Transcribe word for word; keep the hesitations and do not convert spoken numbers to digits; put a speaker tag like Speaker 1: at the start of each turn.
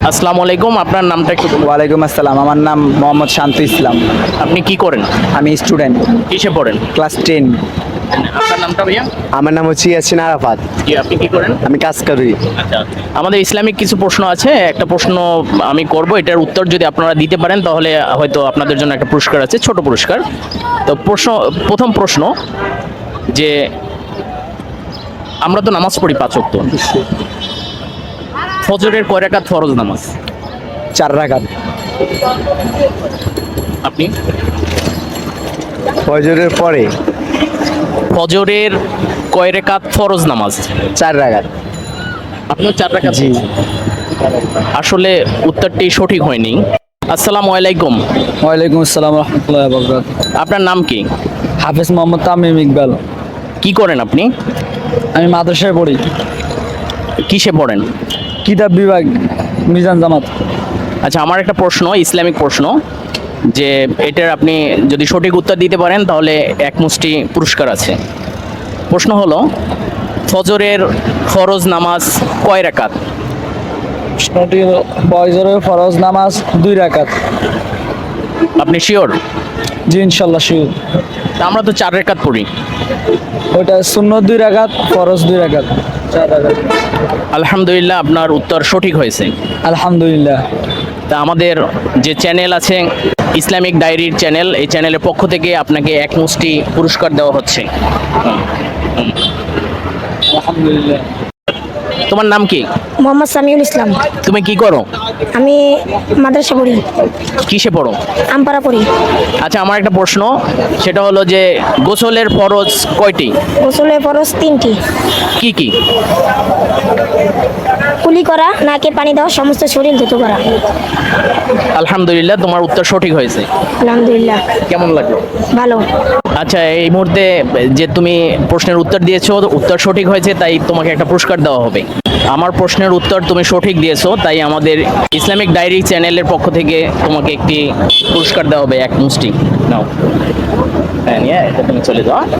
Speaker 1: আসসালামু আলাইকুম, আপনার নামটা একটু বলুন।
Speaker 2: ওয়ালাইকুম আসসালাম, আমার নাম মোহাম্মদ শান্ত ইসলাম।
Speaker 1: আপনি কি করেন?
Speaker 2: আমি স্টুডেন্ট,
Speaker 1: কিসে পড়েন?
Speaker 2: Class ten.
Speaker 1: আপনার নামটা ভাইয়া?
Speaker 3: আমার নাম হচ্ছে ইয়াসিন আরাফাত।
Speaker 1: জি, আপনি কি করেন?
Speaker 3: আমি কাজ করি।
Speaker 1: আচ্ছা, আমাদের ইসলামিক কিছু প্রশ্ন আছে, একটা প্রশ্ন আমি করব, এটার উত্তর যদি আপনারা দিতে পারেন তাহলে হয়তো আপনাদের জন্য একটা পুরস্কার আছে, ছোট পুরস্কার। তো প্রশ্ন, প্রথম প্রশ্ন যে আমরা তো নামাজ পড়ি পাঁচ ওয়াক্ত, ফজরের কয় রাকাত ফরজ নামাজ?
Speaker 2: চার রাকাত।
Speaker 1: আপনি?
Speaker 3: ফজরের পরে
Speaker 1: ফজরের কয় রাকাত ফরজ নামাজ?
Speaker 3: চার রাকাত।
Speaker 1: আপনিও চার রাকাত?
Speaker 3: জি।
Speaker 1: আসলে উত্তরটি সঠিক হয়নি। আসসালামু আলাইকুম,
Speaker 2: ওয়ালাইকুম আসসালাম রহমতুল্লাহ বরকাত।
Speaker 1: আপনার নাম কি?
Speaker 2: হাফেজ মোহাম্মদ তামিম ইকবাল।
Speaker 1: কি করেন আপনি?
Speaker 2: আমি মাদ্রাসায় পড়ি,
Speaker 1: কিসে পড়েন?
Speaker 2: কিতাব বিভাগ, মিজান জামাত।
Speaker 1: আচ্ছা, আমার একটা প্রশ্ন, ইসলামিক প্রশ্ন, যে এটার আপনি যদি সঠিক উত্তর দিতে পারেন তাহলে এক মুষ্টি পুরস্কার আছে। প্রশ্ন হলো, ফজরের ফরজ নামাজ কয় রাকাত?
Speaker 2: ফজরের ফরজ নামাজ দুই রাকাত।
Speaker 1: আপনি শিওর?
Speaker 2: জি ইনশাল্লাহ শিওর।
Speaker 1: আমরা তো চার রাকাত পড়ি।
Speaker 2: ওইটা সুন্নত দুই রাকাত, ফরজ দুই রাকাত, চার রাকাত।
Speaker 1: আলহামদুলিল্লাহ, আপনার উত্তর সঠিক হয়েছে।
Speaker 2: আলহামদুলিল্লাহ।
Speaker 1: তা আমাদের যে চ্যানেল আছে ইসলামিক ডায়েরির চ্যানেল, এই চ্যানেলের পক্ষ থেকে আপনাকে এক মুষ্টি পুরস্কার দেওয়া হচ্ছে।
Speaker 2: আলহামদুলিল্লাহ।
Speaker 1: তোমার নাম কি?
Speaker 4: মোহাম্মদ সামিউল ইসলাম।
Speaker 1: তুমি কি করো?
Speaker 4: আমি মাদ্রাসা পড়ি,
Speaker 1: কিসে পড়ো?
Speaker 4: আমপাড়া পড়ি।
Speaker 1: আচ্ছা, আমার একটা প্রশ্ন, সেটা হলো যে গোসলের ফরজ কয়টি?
Speaker 4: গোসলে ফরজ তিনটি।
Speaker 1: কি কি?
Speaker 4: কুলি করা, নাকে পানি দেওয়া, সমস্ত শরীর ধুতো করা।
Speaker 1: আলহামদুলিল্লাহ, তোমার উত্তর সঠিক হয়েছে।
Speaker 4: আলহামদুলিল্লাহ।
Speaker 1: কেমন লাগলো?
Speaker 4: ভালো।
Speaker 1: আচ্ছা, এই মুহূর্তে যে তুমি প্রশ্নের উত্তর দিয়েছো, উত্তর সঠিক হয়েছে, তাই তোমাকে একটা পুরস্কার দেওয়া হবে। আমার প্রশ্নের উত্তর তুমি সঠিক দিয়েছো, তাই আমাদের ইসলামিক ডায়েরি চ্যানেলের পক্ষ থেকে তোমাকে একটি পুরস্কার দেওয়া হবে, এক মুষ্টি। নাও, হ্যাঁ, নিয়ে এটা তুমি চলে যাও।